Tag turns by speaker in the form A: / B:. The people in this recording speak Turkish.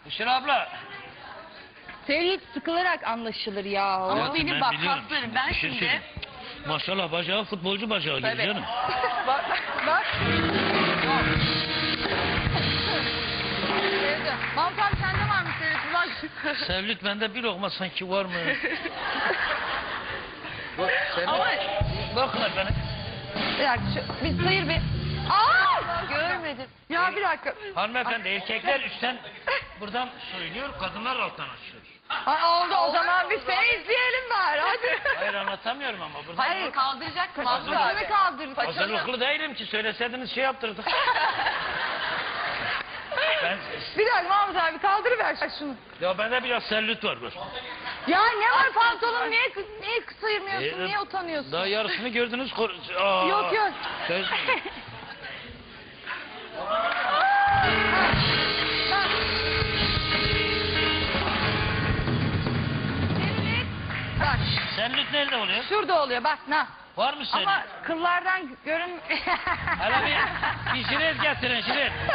A: Hüsnü abla.
B: Sevgi sıkılarak anlaşılır ya.
C: Ama
A: Hayatım,
C: benim
A: ben
C: bak
A: biliyorum
C: kaslarım.
A: şimdi,
C: Ben
A: bir şey
C: şimdi...
A: söyleyeyim. Maşallah bacağı futbolcu bacağı gibi
C: Tabii.
A: canım.
B: Bak. Sevdi. Mahmut abi sende var mı sevgi? Bak.
A: Sevlük bende bir lokma sanki var mı? Bak,
C: Ama
A: bakın efendim.
B: Bir dakika bir sayır bir. Aa! Görmedim. Ya bir dakika.
A: Hanımefendi erkekler üstten buradan söylüyor, kadınlar alttan açıyor.
B: Ay, oldu o zaman biz seni izleyelim bari hadi.
A: Hayır anlatamıyorum ama buradan.
C: hayır kaldıracak mı?
B: Paçanı kaldır.
A: Hazırlıklı değilim ki, söyleseydiniz şey yaptırdık. Ben,
B: Bir dakika Mahmut abi kaldırıver şunu.
A: ya bende biraz sellüt var. Bak.
B: Ya ne var pantolon niye sıyırmıyorsun niye utanıyorsun?
A: Daha yarısını gördünüz.
B: Yok yok.
A: Söz...
B: Bak
A: Sellüt nerede oluyor?
B: şurada oluyor bak na.
A: Var mı sellüt?
B: Ama kıllardan görün.
A: Hele bir jilet getirin jilet.